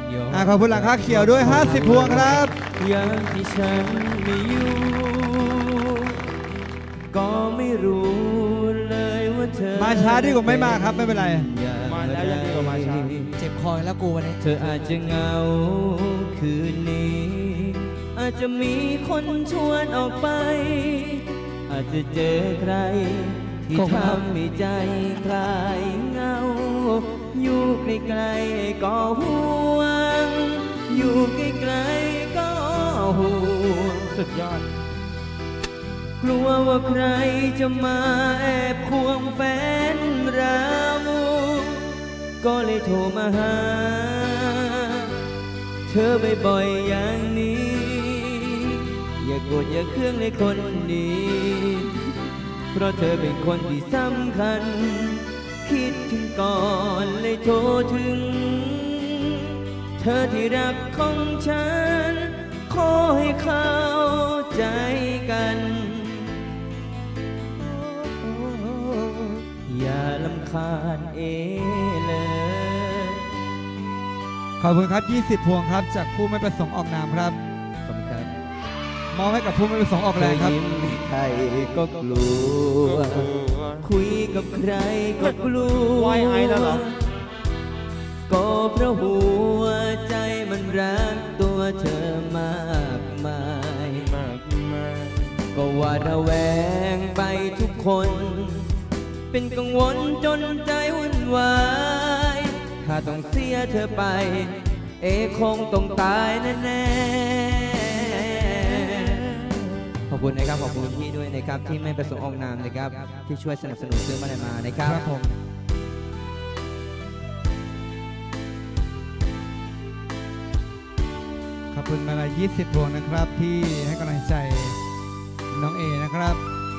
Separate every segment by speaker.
Speaker 1: ขอบคุณหลังคาเขียวด้วย50 พวงครับ
Speaker 2: อย่างที่ฉันไม่อยู่ก็ไม่รู้เลยว่าเธอ
Speaker 1: มาช้าดีกว่าไม่มาครับไม่เป็นไร
Speaker 3: มาแล้วยังดีกว่ามาช้า
Speaker 4: เจ็บคอแล้วกูวันนี้
Speaker 2: เธออาจจะเหงาคืนนี้อาจจะมีคนชวนออกไปอาจจะเจอใครที่ทำให้ใจคลายเหงาอยู่ใกล้ๆก็ห่วงอยู่ใกล้ๆก็ห่วง
Speaker 3: สุดยอด
Speaker 2: กลัวว่าใครจะมาแอบควงแฟนเราก็เลยโทรมาหาเธอบ่อยๆอย่างนี้อย่าโกรธอย่าเคืองเลยคนดีเพราะเธอเป็นคนที่สำคัญคิดถึงก่อนเลยโทรถึงเธอที่รักของฉันขอให้เข้าใจกันอย่าลำคาญเลย
Speaker 1: ขอบคุณครับ20 พวงครับจากผู้ไม่ประสงค์ออกนามครับ
Speaker 2: ขอบคุณครับ
Speaker 1: มอบให้กับผู้ไม่ประสงค์ออกแรงครับ
Speaker 2: ยิ้มใครก็กลัวคุยกับใครก็กลัว
Speaker 3: ไหวไอแล้วเหรอ
Speaker 2: ก็เพราะหัวใจมันรักตัวเธอมากมายก็ว่าระแวงไปทุกคนเป็นกังวลจนใจวุ่นวายถ้าต้องเสียเธอไปคงต้องตายแน่ๆขอบคุณนะครับขอบคุณพี่ด้วยนะครับที่ไม่ประสงค์ออกนามนะครับที่ช่วยสนับสนุนซื้อมาเลยมานะครับ
Speaker 1: ครับผมขอบคุณมาละ20 พวงนะครับที่ให้กำลังใจน้องเอนะครับ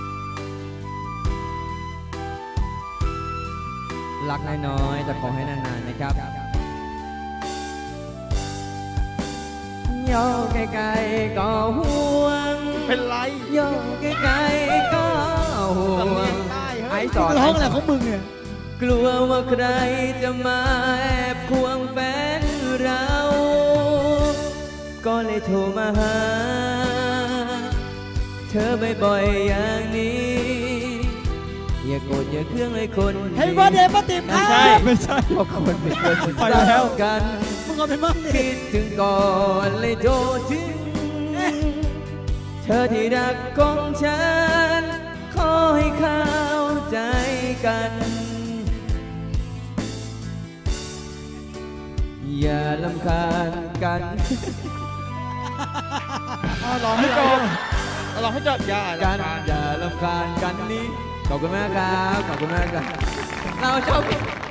Speaker 2: รักน้อยๆแต่ขอให้นานๆนะครับย่อไกลๆก็ห่วง
Speaker 3: เป็นไร
Speaker 2: ย่อไกลๆก็ห่วง
Speaker 3: ไอ้
Speaker 1: สอนร้องอะไรของมึงเนี่ย
Speaker 2: กลัวว่าใครจะมาแอบควงแฟนเราก็เลยโทรมาหาเธอบ่อยๆอย่างนี้อย่าโกรธอย่าเคืองเลยคน
Speaker 4: เฮ้ยวันเดย์ป้าติ๋ม
Speaker 1: ไม่ใช่
Speaker 2: เพราะคนเป็นคนที่รักกัน
Speaker 4: มึงเอาไปมั่งดิ
Speaker 2: คิดถึงก่อนเลยโทรถึงเธอที่รักของฉันขอให้เข้าใจกันอย่าลำคาญกัน
Speaker 3: ลองให้จบลองให้จบอย่า
Speaker 2: กันอย่าลำคาญกันนี้ขอบคุณมากครับขอบคุณมากครับเราชอบ